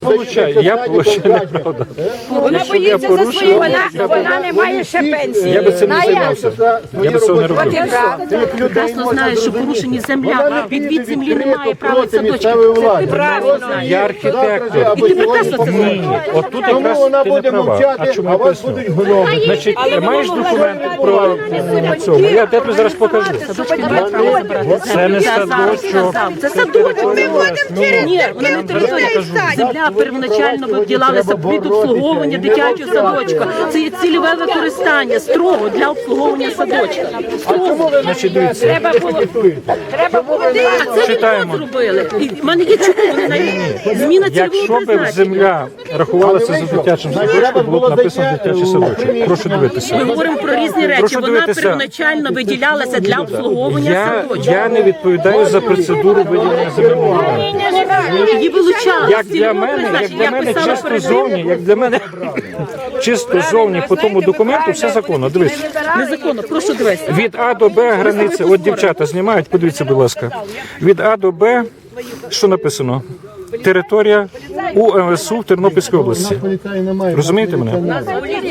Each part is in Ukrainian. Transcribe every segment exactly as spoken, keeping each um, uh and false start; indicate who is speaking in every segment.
Speaker 1: Получаю, я получаю неправда.
Speaker 2: Вона
Speaker 1: Якщо я
Speaker 2: боїться за свої,
Speaker 1: порушую,
Speaker 2: вона, вона не має ще пенсії.
Speaker 1: я би цим не займався. Я би цього не робив.
Speaker 3: Прекрасно знаю, що порушені земля, відвід землі немає права садочку. Це правильно.
Speaker 1: Я архітектор.
Speaker 3: І ти прекрасно це знаєш.
Speaker 1: От тут якраз ти не права. А чому я поясню? Значить, маєш документи про цьому? Я тебе зараз покажу. Це не садочок.
Speaker 3: Це садочок. Ні, вона не територія. Земля первоначально виділалася під обслуговування дитячого садочка. Це є цільове використання, строго для обслуговування садочка. Строго.
Speaker 1: Значить, дивіться.
Speaker 2: Треба було, треба було
Speaker 3: А це
Speaker 1: Читаємо.
Speaker 3: відвод зробили. І в мене є чому вони навіть зміна цільового
Speaker 1: Якщо б
Speaker 3: призначення.
Speaker 1: земля рахувалася за дитячим садочком, було б написано дитячий садочок. Прошу
Speaker 3: Ми
Speaker 1: дивитися.
Speaker 3: говоримо про різні речі.
Speaker 1: Прошу
Speaker 3: Вона
Speaker 1: дивитися.
Speaker 3: первоначально виділялася для обслуговування
Speaker 1: Я,
Speaker 3: садочка.
Speaker 1: я не відповідаю за процедуру виділення земельної ділянки.
Speaker 3: Її вилучали.
Speaker 1: Як
Speaker 3: з
Speaker 1: для
Speaker 3: цільового
Speaker 1: мене, як
Speaker 3: призначення.
Speaker 1: для
Speaker 3: Я
Speaker 1: мене
Speaker 3: писала
Speaker 1: чисто
Speaker 3: перед тим.
Speaker 1: зовні, як для мене чисто зовні по тому документу все законно. Дивись.
Speaker 3: Незаконно, прошу дивитися.
Speaker 1: Від А до Б границя, от дівчата знімають, подивіться, будь ласка. Від А до Б, що написано? Територія У М С У в Тернопільській області. Розумієте мене?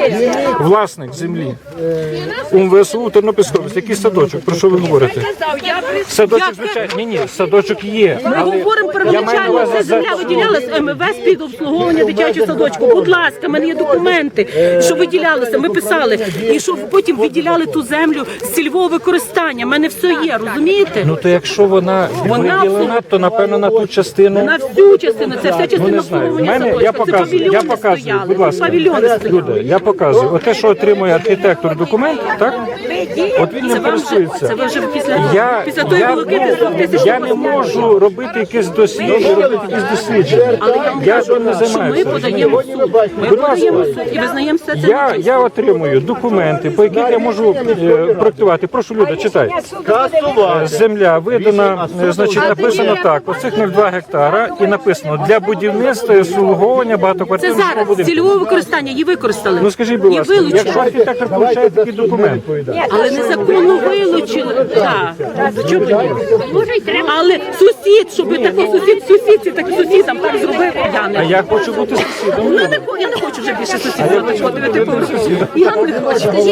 Speaker 1: Власник землі У М В С У в Тернопільській області. Який садочок? Про що ви говорите? Садочок, звичайно, ні, ні, садочок є.
Speaker 3: Ми
Speaker 1: але
Speaker 3: говоримо
Speaker 1: я маю на
Speaker 3: первоначально,
Speaker 1: увазі
Speaker 3: це
Speaker 1: за-
Speaker 3: земля виділялась М В С під обслуговування дитячого садочку. Будь ласка, в мене є документи, що виділялося. Ми писали. І що потім виділяли ту землю з цільового використання. У мене все є, розумієте?
Speaker 1: Ну то якщо вона
Speaker 3: Вона
Speaker 1: виділена, то напевно на ту частину.
Speaker 3: На всю частину, це вся частина
Speaker 1: Ну, не знаю. В
Speaker 3: обслуговування
Speaker 1: мене,
Speaker 3: садочка.
Speaker 1: я
Speaker 3: Це
Speaker 1: показую, я
Speaker 3: павільйони
Speaker 1: показую,
Speaker 3: стояли.
Speaker 1: будь ласка.
Speaker 3: Павільйони стояли.
Speaker 1: Люда, я показую. Оте, що отримує архітектор документ, так? От він
Speaker 3: Це
Speaker 1: ним
Speaker 3: вам вже, це
Speaker 1: користується.
Speaker 3: ви вже після,
Speaker 1: Я,
Speaker 3: після тої
Speaker 1: я,
Speaker 3: волокити з двох тисяч
Speaker 1: я не можу робити якісь дослідження, робити якісь дослідження.
Speaker 3: Але я вам
Speaker 1: Я
Speaker 3: кажу,
Speaker 1: цим не
Speaker 3: що ми
Speaker 1: займаюся.
Speaker 3: подаємо в суд. Ми
Speaker 1: Будь ласка.
Speaker 3: подаємо в суд і визнаємо все це.
Speaker 1: Я, я отримую документи, по яких я можу е, проектувати. Прошу, Люда, читай. Е, Земля видана, е, значить, написано так, оцих нуль цілих два гектара, і написано для будівництва і обслуговування
Speaker 3: Це
Speaker 1: багатоквартирного
Speaker 3: зараз
Speaker 1: будинку.
Speaker 3: цільового використання її використали.
Speaker 1: Ну скажіть, будь
Speaker 3: І
Speaker 1: ласка,
Speaker 3: вилучили.
Speaker 1: якщо архітектор получає такий документ,
Speaker 3: Але незаконно вилучили. Так. Чому ні? Але сусід, щоб такий сусід, сусідці, так сусідам так зробив, я
Speaker 1: а
Speaker 3: не.
Speaker 1: я хочу бути сусідом.
Speaker 3: Ну, не хо- я не хочу вже більше сусідів. Я не хочу. Я не хочу.